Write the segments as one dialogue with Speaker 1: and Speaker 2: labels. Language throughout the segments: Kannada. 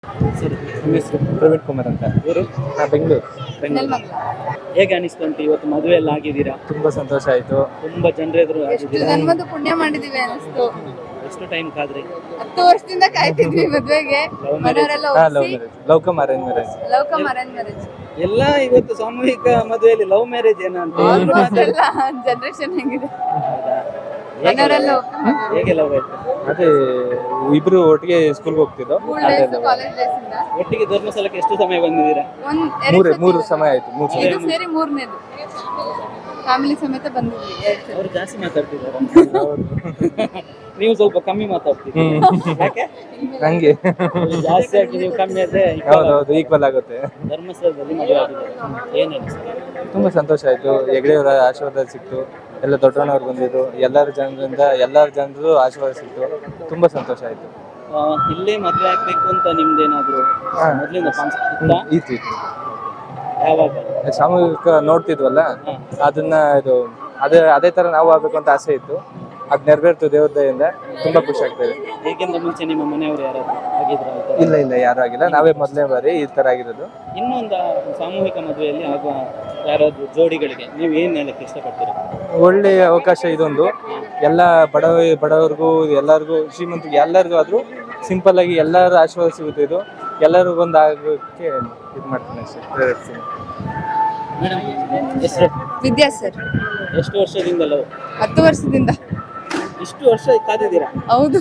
Speaker 1: ಸರಿ, ನಿಮ್ಮ ಹೆಸರು?
Speaker 2: ಪ್ರವೀಣ್ ಕುಮಾರ್ ಅಂತ.
Speaker 1: ಊರು?
Speaker 2: ಬೆಂಗಳೂರು.
Speaker 1: ಹೇಗೆ ಅನಿಸ್ತು ಉಂಟು ಇವತ್ತು ಮದುವೆ ಎಲ್ಲ ಆಗಿದ್ದೀರಾ?
Speaker 2: ತುಂಬಾ ಸಂತೋಷ ಆಯ್ತು.
Speaker 1: ತುಂಬಾ ಜನರೆದುರು
Speaker 3: ಎಷ್ಟು
Speaker 1: ಆಗಿದ್ದೀರಾ?
Speaker 3: ಜನ್ಮದ ಪುಣ್ಯ ಮಾಡಿದೀವಿ ಅನಿಸ್ತು.
Speaker 1: ಎಷ್ಟು ಟೈಮ್ ಕಾದ್ರಿ?
Speaker 3: 10 ವರ್ಷದಿಂದ ಕಾಯ್ತಿದ್ವಿ ಮದ್ವೆಗೆ.
Speaker 1: Love marriage.
Speaker 3: ಮನೆಯವರೆಲ್ಲ
Speaker 2: ಲವ್
Speaker 3: ಒಪ್ಸಿ
Speaker 2: marriage, love cum arrange marriage.
Speaker 3: Love cum arrange marriage.
Speaker 1: ಎಲ್ಲ ಇವತ್ತು ಸಾಮೂಹಿಕ ಮದುವೆಯಲ್ಲಿ ಲವ್ ಮ್ಯಾರೇಜ್ ಏನಂತ
Speaker 3: ಆಲ್ಮೋಸ್ಟ್ ಎಲ್ಲ ಜನರೇಷನ್ ಹೆಂಗಿದೆ. ಮನೆಯವರೆಲ್ಲ
Speaker 1: ಹೇಗೆ ಲವ್ ಆಯ್ತು?
Speaker 2: ಅದೇ ಇಬ್ರು ಒಟ್ಟಿಗೆ ಸ್ಕೂಲ್ಗೆ ಹೋಗ್ತಿದ್ದೋ.
Speaker 3: ಸ್ಕೂಲ್ ಡೇಸ್, ಕಾಲೇಜ್ ಡೇಸ್ ಇಂದ
Speaker 1: ಒಟ್ಟಿಗೆ ಧರ್ಮಸ್ಥಳಕ್ಕೆ ಎಷ್ಟು ಸಮಯ ಬಂದಿದ್ದೀರಾ?
Speaker 2: ಮೂರು ಸಮಯ ಆಯ್ತು. ಮೂರು ಸಮಯ.
Speaker 3: ಇದು ಸೇರಿ ಮೂರನೇದು. ಫ್ಯಾಮಿಲಿ ಸಮೇತ ಬಂದಿದ್ವಿ 2 ಸಲ.
Speaker 1: ಅವರು ಜಾಸ್ತಿ ಮಾತಾಡ್ತಿದ್ದಾರೆ. ನೀವು ಸ್ವಲ್ಪ ಕಮ್ಮಿ ಮಾತಾಡ್ತೀರಿ. ಯಾಕೆ?
Speaker 2: ಹಂಗೆ
Speaker 1: ಜಾಸ್ತಿ ಆಗಿ ನೀವು ಕಮ್ಮಿ ಆದ್ರೆ
Speaker 2: ಹೌದೌದು, ಈಕ್ವಲ್ ಆಗುತ್ತೆ.
Speaker 1: ಧರ್ಮಸ್ಥಳದಲ್ಲಿ ಮದುವೆ ಆಗಿದ್ದಾರೆ. ಏನ್ ಅನಿಸ್ತದೆ?
Speaker 2: ತುಂಬಾ ಸಂತೋಷ ಆಯ್ತು. ಹೆಗ್ಡೆಯವರ ಆಶೀರ್ವಾದ ಸಿಕ್ತು. ಎಲ್ಲ ದೊಡ್ಡಣ್ಣವ್ರು ಬಂದಿದ್ರು. ಎಲ್ಲರ ಜನರು ಆಶೀರ್ವಾದ ಸಿಕ್ತು. ತುಂಬಾ ಸಂತೋಷ ಆಯ್ತು.
Speaker 1: ಇಲ್ಲೇ ಮದುವೆ ಆಗ್ಬೇಕು ಅಂತ ನಿಮ್ದೇನಾದ್ರು ಮೊದ್ಲಿಂದ ಕಾನ್ಸೆಪ್ಟ್ ಇತ್ತಾ?
Speaker 2: ಇತ್ತು.
Speaker 1: ಯಾವಾಗ?
Speaker 2: ಸಾಮೂಹಿಕ ನೋಡ್ತಿದ್ವಲ್ಲ, ಅದನ್ನ ಅದೇ ತರ ನಾವು ಆಗ್ಬೇಕು ಅಂತ ಆಸೆ ಇತ್ತು. ಅದ್ ನೆರವೇರ್ತು ದೇವ್ರ ದಯೆಯಿಂದ. ತುಂಬಾ ಖುಷಿ ಆಗ್ತದೆ.
Speaker 1: ಹೇಗಿಂದ ಮುಂಚೆ ನಿಮ್ಮ ಮನೆಯವರು ಯಾರಾದ್ರು ಆಗಿದ್ರ?
Speaker 2: ಇಲ್ಲ ಯಾರು ಆಗಿಲ್ಲ. ನಾವೇ ಮೊದಲನೇ ಬಾರಿ ಈ ತರ ಆಗಿರೋದು.
Speaker 1: ಇನ್ನೊಂದು ಸಾಮೂಹಿಕ ಮದುವೆಯಲ್ಲಿ ಆಗುವ ಯಾರಾದ್ರೂ ಜೋಡಿಗಳಿಗೆ ನೀವು ಏನ್ ಹೇಳಕ್ಕೆ ಇಷ್ಟಪಡ್ತೀರಾ?
Speaker 2: ಒಳ್ಳೆ ಅವಕಾಶ ಇದೊಂದು. ಎಲ್ಲ ಬಡವರಿಗೂ ಎಲ್ಲರಿಗೂ ಶ್ರೀಮಂತರಿಗೆ ಎಲ್ಲರಿಗೂ ಆದ್ರೂ ಸಿಂಪಲ್ ಆಗಿ ಎಲ್ಲರ ಆಶೀರ್ವಾದ ಸಿಗುತ್ತೆ. ಇದು ಎಲ್ಲರಿಗೊಂದು ಆಗೋಕ್ಕೆ ಇದು ಮಾಡ್ತೀನಿ ಅಷ್ಟೇ, ಪ್ರೇರೇಪಿಸ್ತೀನಿ.
Speaker 1: ಮೇಡಮ್ ಹೆಸರು?
Speaker 3: ವಿದ್ಯಾ ಸರ್.
Speaker 1: ಎಷ್ಟು ವರ್ಷದಿಂದ ಲವ್?
Speaker 3: 10 ವರ್ಷದಿಂದ.
Speaker 1: ಇಷ್ಟು ವರ್ಷ ಕಾದಿದ್ದೀರಾ?
Speaker 3: ಹೌದು.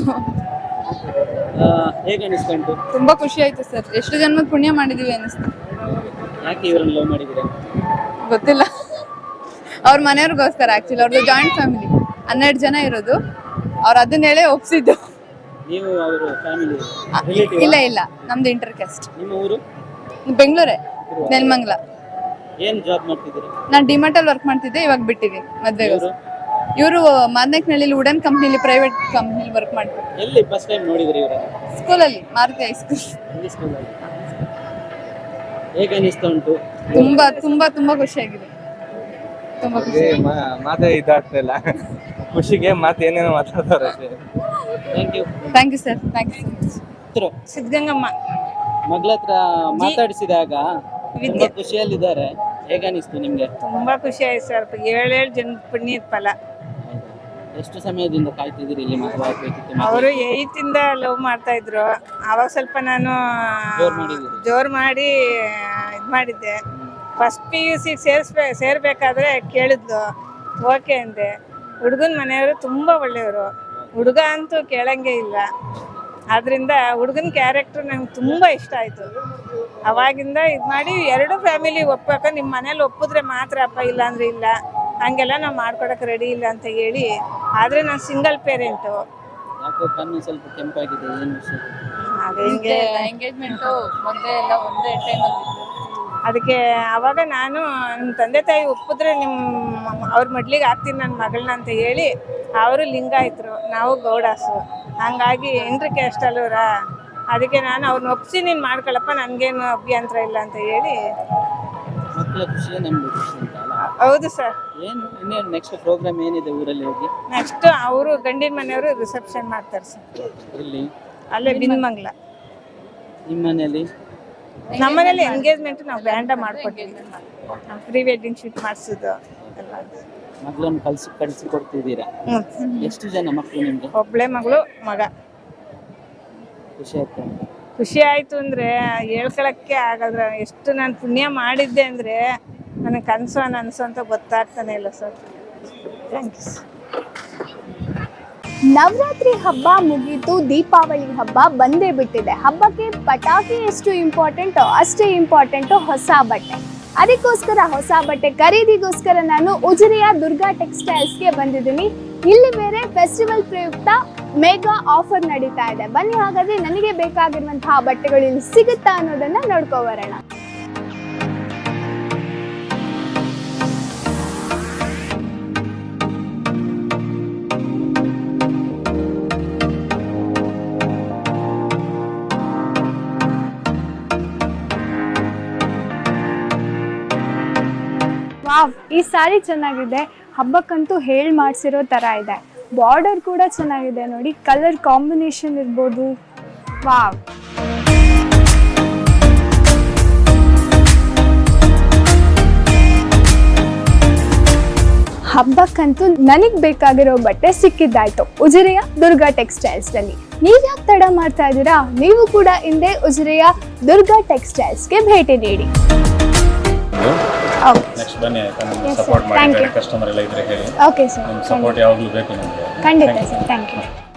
Speaker 1: ಹೇಗೆ ಅನಿಸ್ತಾ ಉಂಟು?
Speaker 3: ತುಂಬಾ ಖುಷಿ ಆಯ್ತು ಸರ್. ಎಷ್ಟು ಜನ್ಮದ ಪುಣ್ಯ ಮಾಡಿದೀವಿ ಅನಿಸ್ತು.
Speaker 1: ಯಾಕೆ ಇವರನ್ನು ಲವ್ ಮಾಡಿದ್ದೀರಾ?
Speaker 3: ಗೊತ್ತಿಲ್ಲ. ಅವ್ರ ಮನೆಯವ್ರಿಗೋಸ್ಕರ. ಆಕ್ಚುಲಿ ಅವ್ರದ್ದು ಜಾಯಿಂಟ್ ಫ್ಯಾಮಿಲಿ, 12 ಜನ ಇರೋದು. ಅವ್ರು ಅದನ್ನ ಹೇಳೇ ಒಪ್ಸಿದ್ದು.
Speaker 1: ನೀವು ಅವರು ಫ್ಯಾಮಿಲಿ
Speaker 3: ಇಲ್ಲ ನಮ್ದು ಇಂಟರ್ ಕ್ಯಾಸ್ಟ್.
Speaker 1: ನಿಮ್ಮ ಊರು?
Speaker 3: ಬೆಂಗಳೂರೇ, ನೆಲಮಂಗಲ.
Speaker 1: ಏನ್ ಜಾಬ್ ಮಾಡ್ತಿದ್ದೀರಾ?
Speaker 3: ನಾನು ಡಿಮಾರ್ಟ್ ಅಲ್ಲಿ ವರ್ಕ್ ಮಾಡ್ತಿದ್ದೆ, ಇವಾಗ ಬಿಟ್ಟಿದ್ದೀನಿ ಮದ್ವೆಗೆ. ಇವರು ಮಾದನೇಕನಹಳ್ಳಿ ವುಡನ್ ಕಂಪ್ನಿಲಿ, ಪ್ರೈವೇಟ್ ಕಂಪ್ನಿಲಿ ವರ್ಕ್ ಮಾಡ್ತಾರೆ.
Speaker 1: ಎಲ್ಲಿ ಫಸ್ಟ್ ಟೈಮ್ ನೋಡಿದ್ರಿ ಇವರ?
Speaker 3: ಸ್ಕೂಲಲ್ಲಿ, ಮಾರುತಿ ಹೈಸ್ಕೂಲ್.
Speaker 1: ಹೇಗೆ ಅನಿಸ್ತಾ ಉಂಟು?
Speaker 3: ತುಂಬಾ ತುಂಬಾ ತುಂಬಾ ಖುಷಿಯಾಗಿದೆ. ತುಂಬಾ ಖುಷಿ.
Speaker 2: ಮಾತೇ ಇದಾಗ್ತಾ ಇಲ್ಲ. ಖುಷಿಗೆ ಮಾತು ಏನೇನೋ ಮಾತಾಡ್ತಾರೆ ಅಷ್ಟೇ.
Speaker 1: Thank you
Speaker 3: sir. Thank you so much.
Speaker 4: Siddagangamma
Speaker 1: ಮಗಳ ಹತ್ರ ಮಾತಾಡಿಸಿದಾಗ ತುಂಬಾ ಖುಷಿಯಲ್ಲಿದ್ದಾರೆ. ಹೇಗೆ ಅನಿಸ್ತು ನಿಮ್ಗೆ?
Speaker 4: ತುಂಬಾ ಖುಷಿ ಆಯ್ತು ಸರ್. 7 ಜನ ಪುಣ್ಯದ ಫಲ.
Speaker 1: ಎಷ್ಟು ಸಮಯದಿಂದ ಕಾಯ್ತಿದ್ದೀರಿ ಇಲ್ಲಿ ಮದುವೆ ಆಗ್ಬೇಕಿತ್ತು?
Speaker 4: ಅವರು 8 ಇಂದ ಲವ್ ಮಾಡ್ತಾ ಇದ್ರು. ಅವಾಗ ಸ್ವಲ್ಪ ನಾನು ಜೋರ್ ಮಾಡಿ ಇದ್ ಮಾಡಿದ್ದೆ. ಫಸ್ಟ್ PUC ಸೇರ್ಬೇಕಾದ್ರೆ ಕೇಳಿದ್ಲು, ಓಕೆ ಅಂದೆ. ಹುಡುಗನ ಮನೆಯವರು ತುಂಬಾ ಒಳ್ಳೆಯವರು. ಹುಡುಗ ಅಂತೂ ಕೇಳಂಗೆ ಇಲ್ಲ. ಆದ್ರಿಂದ ಹುಡುಗನ ಕ್ಯಾರೆಕ್ಟರ್ ನಂಗೆ ತುಂಬ ಇಷ್ಟ ಆಯಿತು. ಅವಾಗಿಂದ ಇದು ಮಾಡಿ 2 ಫ್ಯಾಮಿಲಿ ಒಪ್ಪಬೇಕು, ನಿಮ್ಮ ಮನೇಲಿ ಒಪ್ಪಿದ್ರೆ ಮಾತ್ರ ಅಪ್ಪ, ಇಲ್ಲ ಅಂದರೆ ಇಲ್ಲ, ಹಂಗೆಲ್ಲ ನಾವು ಮಾಡ್ಕೊಡಕ್ಕೆ ರೆಡಿ ಇಲ್ಲ ಅಂತ ಹೇಳಿ. ಆದರೆ ನಾನು ಸಿಂಗಲ್ ಪೇರೆಂಟು.
Speaker 1: ಯಾಕೋ ಕಣ್ಣು ಸ್ವಲ್ಪ ಕೆಂಪಾಗಿದೆ, ಏನು ವಿಷಯ?
Speaker 4: ಅದೇ ಹಿಂಗೆ
Speaker 3: ಎಂಗೇಜ್ಮೆಂಟು ಮೊದಲೇ ಎಲ್ಲ ಒಂದೇ ಟೈಮಲ್ಲಿ.
Speaker 4: ಅದಕ್ಕೆ ಅವಾಗ ನಾನು ನಿಮ್ಮ ತಂದೆ ತಾಯಿ ಒಪ್ಪಿದ್ರೆ ಅವ್ರ ಮಡ್ಲಿಗೆ ಹಾಕ್ತೀನಿ ನನ್ನ ಮಗಳನ್ನ ಅಂತ ಹೇಳಿ. ಅವರು ಲಿಂಗಾಯತರು, ನಾವು ಗೌಡಾಸು. ಹಂಗಾಗಿ ಇಂಟ್ರ್ ಕ್ಯಾಸ್ಟ್ ಅಲ್ಲೂರ. ಅದಕ್ಕೆ ನಾನು ಅವ್ರನ್ನ ಒಪ್ಪಿಸಿ ನೀನು ಮಾಡ್ಕೊಳ್ಳಪ್ಪ, ನನಗೇನು ಅಭ್ಯಂತರ ಇಲ್ಲ ಅಂತ ಹೇಳಿ.
Speaker 1: ಮಕ್ಕಳ ಖುಷಿಯೇ ನಮ್ಗೆ ಖುಷಿ ಅಂತ ಅಲ್ಲ?
Speaker 4: ಹೌದು ಸರ್.
Speaker 1: ಏನು ಇನ್ನೇನು ನೆಕ್ಸ್ಟ್ ಪ್ರೋಗ್ರಾಮ್ ಏನಿದೆ ಊರಲ್ಲಿ ಹೋಗಿ?
Speaker 4: ನೆಕ್ಸ್ಟ್ ಅವರು ಗಂಡಿನ ಮನೆಯವರು ರಿಸೆಪ್ಷನ್ ಮಾಡ್ತಾರೆ ಸರ್.
Speaker 1: ಇಲ್ಲಿ
Speaker 4: ಅಲ್ಲೇ ಬಿನ್ಮಂಗ್ಲ.
Speaker 1: ನಿಮ್ಮ ಮನೆಯಲ್ಲಿ?
Speaker 4: ನಮ್ಮ ಮನೇಲಿ ಎಂಗೇಜ್ಮೆಂಟ್ ನಾವು ಗ್ರ್ಯಾಂಡ ಮಾಡ್ಕೊಡ್ತೀವಿ. ಪ್ರೀ ವೆಡ್ಡಿಂಗ್ ಶೂಟ್ ಮಾಡಿಸೋದು ಎಲ್ಲ.
Speaker 1: ಮಗಳನ್ನು ಕಳಿಸಿ ಕೊಡ್ತಿದ್ದೀರಾ? ಎಷ್ಟು ಜನ ಮಕ್ಕಳು ನಿಮ್ಗೆ?
Speaker 4: ಒಬ್ಳೆ ಮಗಳು, ಮಗ.
Speaker 1: ಖುಷಿ ಆಯ್ತು?
Speaker 4: ಖುಷಿ ಆಯ್ತು ಅಂದ್ರೆ ಹೇಳ್ಕೊಳಕ್ಕೆ ಆಗದ್ರ. ಎಷ್ಟು ನಾನು ಪುಣ್ಯ ಮಾಡಿದ್ದೆ ಅಂದ್ರೆ ನನಗೆ ಕನಸು ಅನಸು ಅಂತ ಗೊತ್ತಾಗ್ತಾನೆ ಇಲ್ಲ ಸರ್. ಥ್ಯಾಂಕ್ಸ್.
Speaker 5: ನವರಾತ್ರಿ ಹಬ್ಬ ಮುಗೀತು, ದೀಪಾವಳಿ ಹಬ್ಬ ಬಂದೇ ಬಿಟ್ಟಿದೆ. ಹಬ್ಬಕ್ಕೆ ಪಟಾಕಿ ಎಷ್ಟು ಇಂಪಾರ್ಟೆಂಟೋ ಅಷ್ಟೇ ಇಂಪಾರ್ಟೆಂಟು ಹೊಸ ಬಟ್ಟೆ. ಅದಕ್ಕೋಸ್ಕರ ಹೊಸ ಬಟ್ಟೆ ಖರೀದಿಗೋಸ್ಕರ ನಾನು ಉಜಿರೆಯ ದುರ್ಗಾ ಟೆಕ್ಸ್ಟೈಲ್ಸ್ಗೆ ಬಂದಿದ್ದೀನಿ. ಇಲ್ಲಿ ಬೇರೆ ಫೆಸ್ಟಿವಲ್ ಪ್ರಯುಕ್ತ ಮೆಗಾ ಆಫರ್ ನಡೀತಾ ಇದೆ. ಬನ್ನಿ ಹಾಗಾದ್ರೆ ನನಗೆ ಬೇಕಾಗಿರುವಂತಹ ಬಟ್ಟೆಗಳು ಇಲ್ಲಿ ಸಿಗುತ್ತಾ ಅನ್ನೋದನ್ನ ನೋಡ್ಕೊ ಬರೋಣ. ವಾವ್, ಈ ಸಾರಿ ಚೆನ್ನಾಗಿದೆ. ಹಬ್ಬಕ್ಕಂತೂ ಹೇಳಿ ಮಾಡಿಸಿರೋ ಥರ ಇದೆ. ಬಾರ್ಡರ್ ಕೂಡ ಚೆನ್ನಾಗಿದೆ ನೋಡಿ, ಕಲರ್ ಕಾಂಬಿನೇಷನ್ ಇರ್ಬೋದು. ವಾವ್. ಹಬ್ಬಕ್ಕಂತೂ ನನಗ್ ಬೇಕಾಗಿರೋ ಬಟ್ಟೆ ಸಿಕ್ಕಿದ್ದಾಯ್ತು ಉಜಿರೆಯ ದುರ್ಗಾ ಟೆಕ್ಸ್ಟೈಲ್ಸ್ ನಲ್ಲಿ. ನೀವ್ಯಾಕೆ ತಡ ಮಾಡ್ತಾ ಇದ್ದೀರಾ? ನೀವು ಕೂಡ ಹಿಂದೆ ಉಜಿರೆಯ ದುರ್ಗಾ ಟೆಕ್ಸ್ಟೈಲ್ಸ್ಗೆ ಭೇಟಿ ನೀಡಿ.
Speaker 6: ನೆಕ್ಸ್ಟ್ ಬನ್ನಿ ಆಯ್ತಾ, ನಮ್ಗೆ ಸಪೋರ್ಟ್ ಮಾಡಿ, ಕಸ್ಟಮರ್ ಎಲ್ಲ ಇದ್ರೆ ಹೇಳಿ.
Speaker 5: ಓಕೆ ಸರ್,
Speaker 6: ನಿಮ್ಮ ಸಪೋರ್ಟ್ ಯಾವಾಗಲೂ ಬೇಕು ನಮಗೆ.
Speaker 5: ಖಂಡಿತ ಸರ್, ಥ್ಯಾಂಕ್ ಯು.